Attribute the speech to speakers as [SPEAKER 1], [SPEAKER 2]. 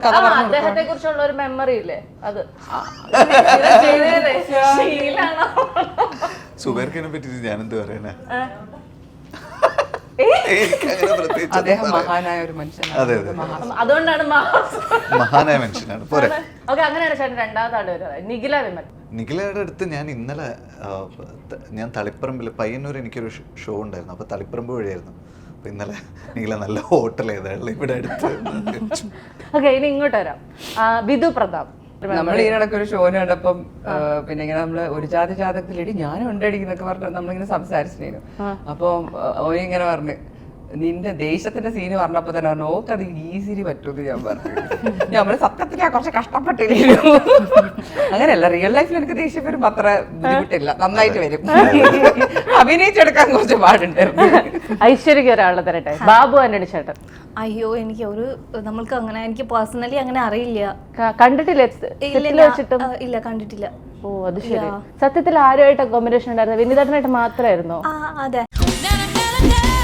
[SPEAKER 1] അദ്ദേഹത്തെ കുറിച്ചുള്ള ഒരു മെമ്മറി ഇല്ലേ അത്
[SPEAKER 2] സുബൈർഖാനെ പറ്റിട്ട് ഞാനെന്ത് പറയാനാ?
[SPEAKER 3] അദ്ദേഹം മഹാനായ ഒരു മനുഷ്യനാണ്.
[SPEAKER 2] അതെ അതെ,
[SPEAKER 1] അതുകൊണ്ടാണ്
[SPEAKER 2] മഹാനായ മനുഷ്യനാണ്. പോരെ.
[SPEAKER 1] ഓക്കെ, അങ്ങനെയാണ് ചേട്ടൻ രണ്ടാമത്തെ ആള് വരുന്നത് നിഖില വിമൽ.
[SPEAKER 2] നിഖിലയുടെ അടുത്ത് ഞാൻ ഇന്നലെ ഞാൻ തളിപ്പറമ്പിൽ പയ്യന്നൂർ എനിക്കൊരു ഷോ ഉണ്ടായിരുന്നു. അപ്പോൾ തളിപ്പറമ്പ് വഴിയായിരുന്നു. അപ്പോൾ ഇന്നലെ നിഖില നല്ല ഹോട്ടൽ ഏതാണല്ലോ ഇവിടെ അടുത്ത്.
[SPEAKER 1] ഓക്കെ, ഇനി ഇങ്ങോട്ട് വരാം. വിധു പ്രതാപ്.
[SPEAKER 3] നമ്മൾ ഇതിനിടയ്ക്ക് ഒരു ഷോന് കണ്ടപ്പം പിന്നെ ഇങ്ങനെ നമ്മള് ഒരു ജാതി ജാതകത്തിലിടി ഞാനും ഉണ്ടടിക്കുന്നൊക്കെ പറഞ്ഞ് നമ്മളിങ്ങനെ സംസാരിച്ചിരുന്നു. അപ്പൊ ഓനിങ്ങനെ പറഞ്ഞു നിന്റെ ദേശത്തിന്റെ സീന് പറഞ്ഞപ്പോ തന്നെ പറഞ്ഞു ഓക്കെ അത് ഈസിലി പറ്റൂന്ന് ഞാൻ പറഞ്ഞു. നമ്മള് സത്യത്തിൽ കുറച്ച് കഷ്ടപ്പെട്ടിരുന്നു. അങ്ങനെയല്ല, റിയൽ ലൈഫിൽ എനിക്ക് ദേഷ്യം വരുമ്പോ അത്ര ബുദ്ധിമുട്ടില്ല, നന്നായിട്ട് വരും. അഭിനയിച്ചെടുക്കാൻ കുറച്ച് പാടുണ്ടായിരുന്നു.
[SPEAKER 1] ഐശ്വര്യക്ക് ഒരാളെ തരട്ടെ, ബാബു ആന്റണി ചേട്ടൻ.
[SPEAKER 4] അയ്യോ, എനിക്ക് ഒരു നമ്മൾക്ക് അങ്ങനെ എനിക്ക് പേഴ്സണലി അങ്ങനെ അറിയില്ല.
[SPEAKER 1] കണ്ടിട്ടില്ല?
[SPEAKER 4] ഇല്ല, കണ്ടിട്ടില്ല.
[SPEAKER 1] ഓ അത് ശരി. സത്യത്തിൽ ആരുമായിട്ട് കോമ്പിനേഷൻ ഉണ്ടായിരുന്നു? വിനീതേട്ടനായിട്ട് മാത്രമായിരുന്നോ?
[SPEAKER 4] അതെ.